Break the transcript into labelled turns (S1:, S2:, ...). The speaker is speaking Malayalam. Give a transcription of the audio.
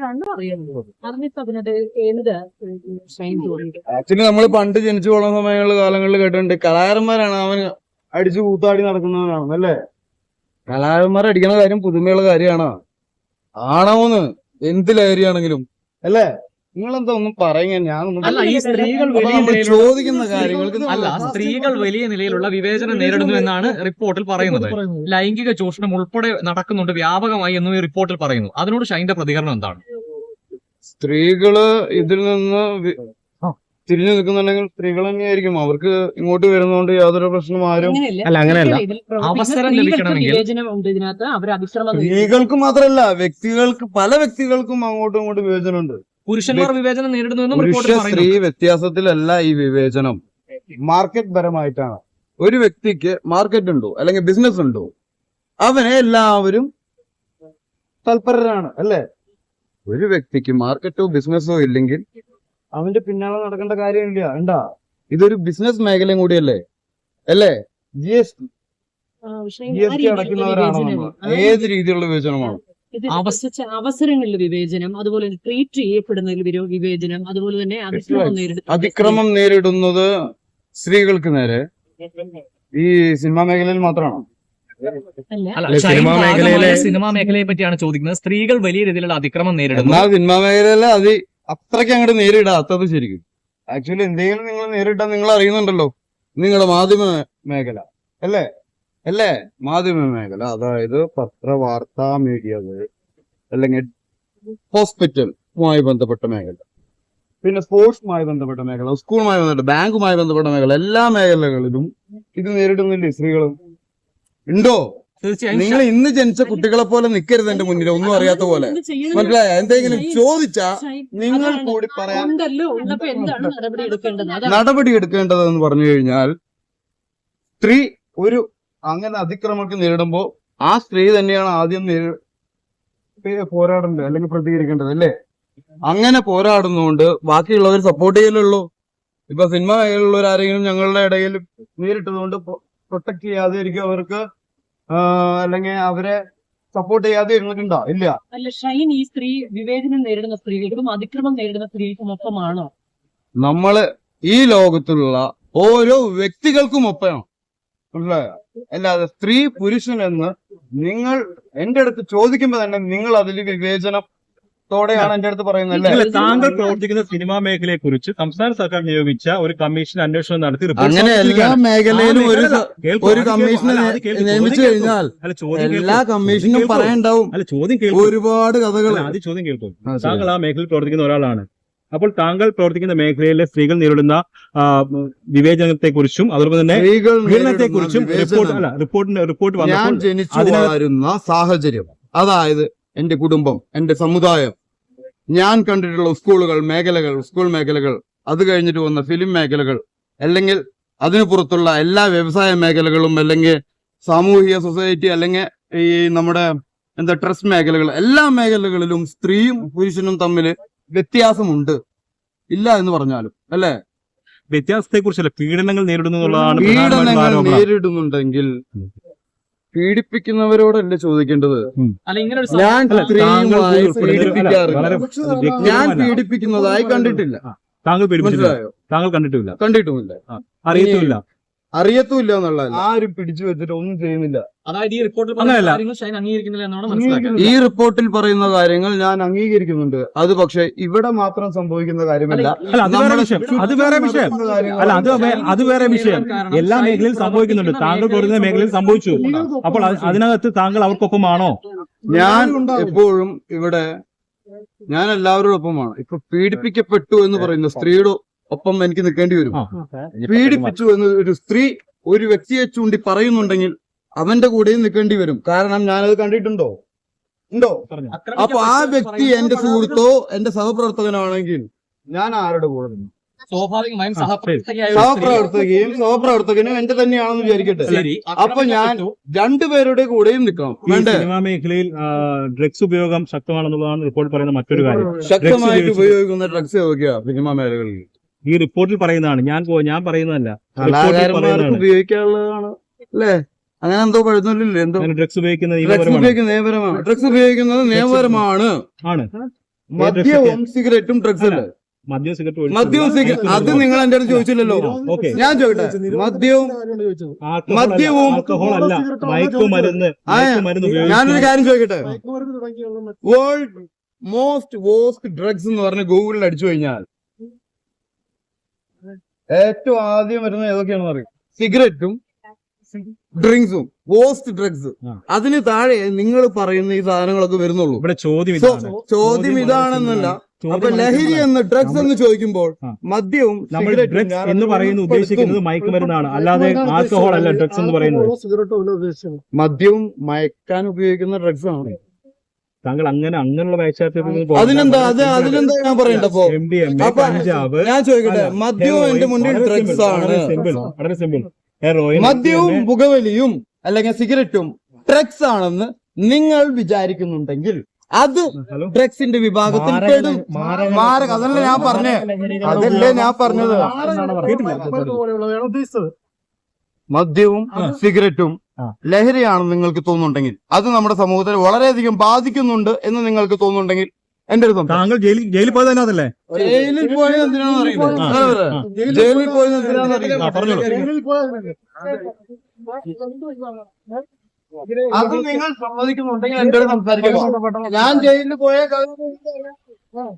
S1: കണ്ടു അറിയുന്നത്. അതിനിപ്പോ അതിനകത്ത് ഏത് ഷൈൻ തോന്നിയത്?
S2: ആക്ച്വലി നമ്മൾ പണ്ട് ജനിച്ചു പോകുന്ന സമയങ്ങളിൽ കാലങ്ങളിൽ കേട്ടിട്ടുണ്ട് കലാകാരന്മാരാണ് അവൻ അടിച്ചു കൂത്താടി നടക്കുന്നവനാണ് അല്ലേ. കലാകാരന്മാർ അടിക്കുന്ന കാര്യം പുതുമയുള്ള കാര്യമാണോ? ആണോന്ന് എന്ത് ലഹരിയാണെങ്കിലും അല്ലേ. നിങ്ങളെന്താ ഒന്നും പറയുക?
S3: അല്ല, ഈ സ്ത്രീകൾ
S2: ചോദിക്കുന്ന കാര്യങ്ങൾക്ക്
S3: സ്ത്രീകൾ വലിയ നിലയിലുള്ള വിവേചനം നേരിടുന്നു എന്നാണ് റിപ്പോർട്ടിൽ പറയുന്നത്. ലൈംഗിക ചൂഷണം ഉൾപ്പെടെ നടക്കുന്നുണ്ട് വ്യാപകമായി എന്നും ഈ റിപ്പോർട്ടിൽ പറയുന്നു. അതിനോട് ഷൈന്റെ പ്രതികരണം എന്താണ്?
S2: സ്ത്രീകള് ഇതിൽ നിന്ന് തിരിഞ്ഞു നിൽക്കുന്നുണ്ടെങ്കിൽ സ്ത്രീകൾ തന്നെയായിരിക്കും. അവർക്ക് ഇങ്ങോട്ട് വരുന്നതുകൊണ്ട് യാതൊരു പ്രശ്നം ആരും
S3: അങ്ങനെയല്ല. അവസരം ലഭിക്കണമെങ്കിൽ
S2: സ്ത്രീകൾക്ക് മാത്രമല്ല വ്യക്തികൾക്ക്, പല വ്യക്തികൾക്കും അങ്ങോട്ടും ഇങ്ങോട്ടും വിവേചനമുണ്ട്.
S3: പുരുഷന്മാർ വിവേചനം നേരിടുന്നു.
S2: പുരുഷ സ്ത്രീ വ്യത്യാസത്തിലല്ല ഈ വിവേചനം, മാർക്കറ്റ് പരമായിട്ടാണ്. ഒരു വ്യക്തിക്ക് മാർക്കറ്റ് ഉണ്ടോ അല്ലെങ്കിൽ ബിസിനസ് ഉണ്ടോ, അവനെ എല്ലാവരും തൽപരരാണ് അല്ലേ. ഒരു വ്യക്തിക്ക് മാർക്കറ്റോ ബിസിനസ്സോ ഇല്ലെങ്കിൽ അവന്റെ പിന്നാലെ നടക്കേണ്ട കാര്യമില്ല. ഉണ്ടാ, ഇതൊരു ബിസിനസ് മേഖലയും കൂടിയല്ലേ അല്ലേ. ജി എസ് ടി അടയ്ക്കുന്നവരാണ് നമ്മൾ. ഏത് രീതിയിലുള്ള വിവേചനമാണ്?
S1: അവസരങ്ങളിൽ വിവേചനം, അതുപോലെ ട്രീറ്റ് ചെയ്യപ്പെടുന്നതിൽ വിവേചനം, അതുപോലെ തന്നെ
S2: അതിക്രമം നേരിടുന്നത് സ്ത്രീകൾക്ക് നേരെ ഈ സിനിമാ മേഖലയിൽ മാത്രമാണോ?
S3: സിനിമാ മേഖലയെ പറ്റിയാണ് ചോദിക്കുന്നത്. സ്ത്രീകൾ വലിയ രീതിയിലുള്ള അതിക്രമം നേരിടുന്നു.
S2: എന്നാൽ സിനിമാ മേഖലയില് അത് അത്രയ്ക്ക് അങ്ങോട്ട് നേരിടാത്തത് ശരിക്കും. ആക്ച്വലി എന്തെങ്കിലും നിങ്ങൾ നേരിട്ടാൽ നിങ്ങൾ അറിയുന്നുണ്ടല്ലോ. നിങ്ങളുടെ മാധ്യമ മേഖല അല്ലേ അല്ലേ മാധ്യമ മേഖല, അതായത് പത്രവാർത്താ മീഡിയകൾ അല്ലെങ്കിൽ ഹോസ്പിറ്റലുമായി ബന്ധപ്പെട്ട മേഖല, പിന്നെ സ്പോർട്സുമായി ബന്ധപ്പെട്ട മേഖല, സ്കൂളുമായി ബന്ധപ്പെട്ട, ബാങ്കുമായി ബന്ധപ്പെട്ട മേഖല, എല്ലാ മേഖലകളിലും ഇത് നേരിടുന്നില്ലേ സ്ത്രീകളും? ഉണ്ടോ? നിങ്ങൾ ഇന്ന് ജനിച്ച കുട്ടികളെ പോലെ നിൽക്കരുത് എന്റെ മുന്നിൽ, ഒന്നും അറിയാത്ത പോലെ. മനസ്സിലായ? എന്തെങ്കിലും ചോദിച്ചാ നിങ്ങൾ കൂടി പറയാൻ നടപടി എടുക്കേണ്ടതെന്ന് പറഞ്ഞു കഴിഞ്ഞാൽ, സ്ത്രീ ഒരു അങ്ങനെ അതിക്രമങ്ങൾക്ക് നേരിടുമ്പോ ആ സ്ത്രീ തന്നെയാണ് ആദ്യം പോരാടേണ്ടത് അല്ലെങ്കിൽ പ്രതികരിക്കേണ്ടത് അല്ലേ. അങ്ങനെ പോരാടുന്നതുകൊണ്ട് ബാക്കിയുള്ളവർ സപ്പോർട്ട് ചെയ്യലുള്ളൂ. ഇപ്പൊ സിനിമ മേഖലയിലുള്ളവരാരെങ്കിലും ഞങ്ങളുടെ ഇടയിൽ നേരിട്ടതുകൊണ്ട് പ്രൊട്ടക്ട് ചെയ്യാതെ ഇരിക്കും അവർക്ക്, അല്ലെങ്കിൽ അവരെ സപ്പോർട്ട് ചെയ്യാതെ ഇരുന്നിട്ടുണ്ടോ? ഇല്ല.
S1: അല്ല ഷൈൻ, ഈ സ്ത്രീ വിവേചനം നേരിടുന്ന സ്ത്രീകൾക്കും അതിക്രമം നേരിടുന്ന സ്ത്രീകൾക്കും ഒപ്പമാണോ?
S2: നമ്മള് ഈ ലോകത്തുള്ള ഓരോ വ്യക്തികൾക്കും ഒപ്പമാണ്. മനസ്സിലായോ? അല്ലാതെ സ്ത്രീ പുരുഷൻ എന്ന് നിങ്ങൾ എന്റെ അടുത്ത് ചോദിക്കുമ്പോ തന്നെ നിങ്ങൾ അതിൽ വിവേചനത്തോടെയാണ് എന്റെ അടുത്ത് പറയുന്നത്.
S4: താങ്കൾ പ്രവർത്തിക്കുന്ന സിനിമാ മേഖലയെ കുറിച്ച് സംസ്ഥാന സർക്കാർ നിയോഗിച്ച ഒരു കമ്മീഷൻ അന്വേഷണം നടത്തി
S2: അങ്ങനെ എല്ലാ മേഖലയിലും ഒരു കമ്മീഷനെ നിയമിച്ചു കഴിഞ്ഞാൽ എല്ലാ കമ്മീഷനും പറയണ്ടാവും ഒരുപാട് കഥകൾ.
S4: ആദ്യം ചോദ്യം കേൾക്കും. താങ്കൾ ആ മേഖലയിൽ പ്രവർത്തിക്കുന്ന ഒരാളാണ്. അപ്പോൾ താങ്കൾ പ്രവർത്തിക്കുന്ന മേഖലയിലെ സ്ത്രീകൾ നേരിടുന്ന വിവേചനത്തെ കുറിച്ചും അതുപോലെ തന്നെ പീഡനത്തെ കുറിച്ചും റിപ്പോർട്ട്
S2: ഞാൻ ജനിച്ചു വളരുന്ന സാഹചര്യം, അതായത് എന്റെ കുടുംബം, എന്റെ സമുദായം, ഞാൻ കണ്ടിട്ടുള്ള സ്കൂളുകൾ, മേഖലകൾ, സ്കൂൾ മേഖലകൾ, അത് കഴിഞ്ഞിട്ട് വന്ന ഫിലിം മേഖലകൾ, അല്ലെങ്കിൽ അതിനു പുറത്തുള്ള എല്ലാ വ്യവസായ മേഖലകളും, അല്ലെങ്കിൽ സാമൂഹിക സൊസൈറ്റി, അല്ലെങ്കിൽ ഈ നമ്മുടെ ട്രസ്റ്റ് മേഖലകൾ, എല്ലാ മേഖലകളിലും സ്ത്രീയും പുരുഷനും തമ്മിൽ വ്യത്യാസമുണ്ട്. ഇല്ല എന്ന് പറഞ്ഞാലും അല്ലെ.
S4: വ്യത്യാസത്തെ കുറിച്ചല്ല, പീഡനങ്ങൾ നേരിടുന്നതാണ്.
S2: പീഡനങ്ങൾ നേരിടുന്നുണ്ടെങ്കിൽ പീഡിപ്പിക്കുന്നവരോടല്ലേ ചോദിക്കേണ്ടത്. ഞാൻ സ്ത്രീയുമായി പീഡിപ്പിക്കാറില്ല, ഞാൻ പീഡിപ്പിക്കുന്നതായി കണ്ടിട്ടില്ല.
S4: താങ്കൾ കണ്ടിട്ടുമില്ല,
S2: അറിയത്തുമില്ല എന്നുള്ള ആരും പിടിച്ചു വെച്ചിട്ട് ഒന്നും ചെയ്യുന്നില്ല.
S3: അതായത് ഈ റിപ്പോർട്ടിൽ
S2: ഈ റിപ്പോർട്ടിൽ പറയുന്ന കാര്യങ്ങൾ ഞാൻ അംഗീകരിക്കുന്നുണ്ട്. അത് പക്ഷെ ഇവിടെ മാത്രം സംഭവിക്കുന്ന കാര്യമല്ല.
S4: അത് വേറെ വിഷയം. അത് വേറെ വിഷയം. എല്ലാ മേഖലയിൽ സംഭവിക്കുന്നുണ്ട്. താങ്കൾ പറയുന്ന മേഖലയിൽ സംഭവിച്ചു. അപ്പോൾ അതിനകത്ത് താങ്കൾ അവർക്കൊപ്പമാണോ?
S2: ഞാൻ എപ്പോഴും ഇവിടെ ഞാൻ എല്ലാവരോടൊപ്പമാണ്. ഇപ്പൊ പീഡിപ്പിക്കപ്പെട്ടു എന്ന് പറയുന്ന സ്ത്രീയുടെ ഒപ്പം എനിക്ക് നിൽക്കേണ്ടി വരും. പീഡിപ്പിച്ചു എന്ന് ഒരു സ്ത്രീ ഒരു വ്യക്തിയെ ചൂണ്ടി പറയുന്നുണ്ടെങ്കിൽ അവന്റെ കൂടെയും നിൽക്കേണ്ടി വരും. കാരണം ഞാനത് കണ്ടിട്ടുണ്ടോ? അപ്പൊ ആ വ്യക്തി എന്റെ സുഹൃത്തോ എന്റെ സഹപ്രവർത്തകനാണെങ്കിൽ ഞാൻ ആരുടെ കൂടെ നിന്നു?
S3: സ്വാഭാവികമായും
S2: സഹപ്രവർത്തകനും എന്റെ തന്നെയാണെന്ന് വിചാരിക്കട്ടെ. അപ്പൊ ഞാൻ രണ്ടുപേരുടെ കൂടെയും നിൽക്കണം.
S4: സിനിമാ മേഖലയിൽ ഡ്രഗ്സ് ഉപയോഗം ശക്തമാണെന്നുള്ളതാണ് റിപ്പോർട്ട് പറയുന്ന മറ്റൊരു കാര്യം.
S2: ശക്തമായിട്ട് ഉപയോഗിക്കുന്ന ഡ്രഗ്സ് സിനിമാ മേഖലകളിൽ
S4: ഈ റിപ്പോർട്ടിൽ പറയുന്നതാണ്, ഞാൻ പറയുന്നതല്ല.
S2: കലാകാരന്മാർക്ക് ഉപയോഗിക്കാനുള്ളതാണ് അല്ലേ? അങ്ങനെ എന്തോ പഴുന്നില്ലേ? എന്തോ
S4: ഡ്രഗ്സ് ഉപയോഗിക്കുന്നത്
S2: നിയമപരമാണ്. ഡ്രഗ്സ് ഉപയോഗിക്കുന്നത് നിയമപരമാണ്. മദ്യവും സിഗരറ്റും ഡ്രഗ്സ് അല്ലേ?
S4: മദ്യം സിഗരറ്റ്
S2: മദ്യവും സിഗരറ്റ് അത് നിങ്ങൾ എന്റെ അടുത്ത് ചോദിച്ചില്ലല്ലോ.
S4: ഓക്കെ,
S2: ഞാൻ ചോദിക്കട്ടെ, മദ്യവും
S4: ആൽക്കഹോൾ അല്ല, മയക്കുമരുന്ന്
S2: ഞാനൊരു കാര്യം ചോദിക്കട്ടെ, വേൾഡ് മോസ്റ്റ് വോസ്റ്റ് ഡ്രഗ്സ് എന്ന് പറഞ്ഞ് ഗൂഗിളിൽ അടിച്ചു കഴിഞ്ഞാൽ ഏറ്റവും ആദ്യം വരുന്നത് ഏതൊക്കെയാണെന്ന് അറിയാം? സിഗരറ്റും ഡ്രിങ്ക്സും, വോസ്റ്റ് ഡ്രഗ്സ്. അതിന് താഴെ നിങ്ങൾ പറയുന്ന ഈ സാധനങ്ങളൊക്കെ വരുന്നുള്ളൂ.
S4: ഇവിടെ ചോദ്യം
S2: So,
S4: ഇതാണ്.
S2: ചോദ്യം ഇതാണെന്നല്ല. അപ്പൊ ലഹരി എന്ന് ഡ്രഗ്സ് എന്ന് ചോദിക്കുമ്പോൾ മദ്യവും
S4: നമ്മൾ
S2: സിഗരറ്റും
S4: ഡ്രഗ്സ്
S2: ഞാൻ
S4: എന്ന് പറയുന്നത് ഉദ്ദേശിക്കുന്നത് മയക്കുമരുന്നാണ്, അല്ലാതെ ആൽക്കഹോൾ അല്ല ഡ്രഗ്സ് എന്ന് പറയുന്നത്.
S2: മദ്യവും മയക്കാൻ ഉപയോഗിക്കുന്ന ഡ്രഗ്സ് ആണ്.
S4: താങ്കൾ അങ്ങനെയുള്ള
S2: അതിനെന്താ ഞാൻ പറയണ്ടപ്പോ അപ്പൊ
S4: കഞ്ചാവ്.
S2: ഞാൻ ചോദിക്കട്ടെ, മദ്യവും എന്റെ മുന്നിൽ ഡ്രഗ്സ് ആണ്.
S4: വളരെ സിമ്പിൾ. ഹെറോയിൻ,
S2: മദ്യവും പുകവലിയും അല്ലെങ്കിൽ സിഗരറ്റും ഡ്രഗ്സ് ആണെന്ന് നിങ്ങൾ വിചാരിക്കുന്നുണ്ടെങ്കിൽ അത് ഡ്രഗ്സിന്റെ വിഭാഗത്തിൽ പെടും. മാരക. അതല്ലേ ഞാൻ പറഞ്ഞത്. മദ്യവും സിഗരറ്റും ലഹരിയാണെന്ന് നിങ്ങൾക്ക് തോന്നുന്നുണ്ടെങ്കിൽ, അത് നമ്മുടെ സമൂഹത്തിൽ വളരെയധികം ബാധിക്കുന്നുണ്ട് എന്ന് നിങ്ങൾക്ക് തോന്നുന്നുണ്ടെങ്കിൽ എന്റെ ഒരു
S4: താങ്കൾ ജയിലിൽ പോയത് തന്നെ അതല്ലേ?
S2: ജയിലിൽ പോയത് എന്തിനാണെന്ന് അറിയില്ല. ജയിലിൽ പോയത് എന്തിനാണെന്ന് അറിയില്ല. അത് നിങ്ങൾ സമ്മതിക്കുന്നുണ്ടെങ്കിൽ എന്റെ സംസാരിക്കുക. ഞാൻ ജയിലിൽ പോയ